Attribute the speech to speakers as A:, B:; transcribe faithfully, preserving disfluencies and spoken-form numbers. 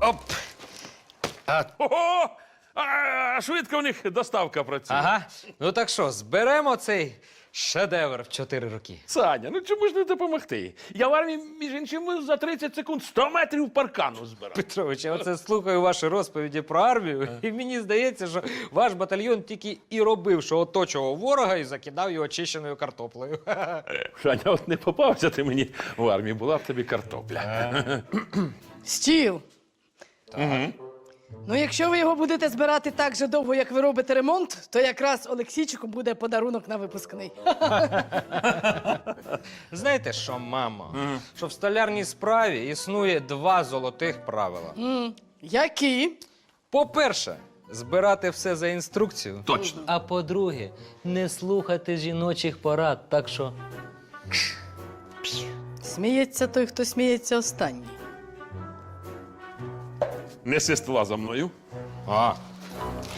A: Оп. А,
B: Ого! А швидко у них доставка працює.
A: ага. Ну так що, зберемо цей шедевр в чотири роки.
B: Саня, ну чому ж не допомогти? Я в армії, між іншим, за тридцять секунд сто метрів паркану збирав.
A: Петрович, я оце слухаю ваші розповіді про армію, і мені здається, що ваш батальйон тільки і робив, що оточував ворога і закидав його очищеною картоплею.
B: Саня, от не попався ти мені в армії, була б тобі картопля.
C: Стіл. Ну, якщо ви його будете збирати так же довго, як ви робите ремонт, то якраз Олексійчику буде подарунок на випускний.
A: Знаєте що, мамо? Що в столярній справі існує два золотих правила.
C: М, Які?
A: По-перше, збирати все за інструкцію.
B: Точно.
D: А по-друге, не слухати жіночих порад, так що
C: Сміється той, хто сміється останній.
B: Неси ствола за мною.
A: А,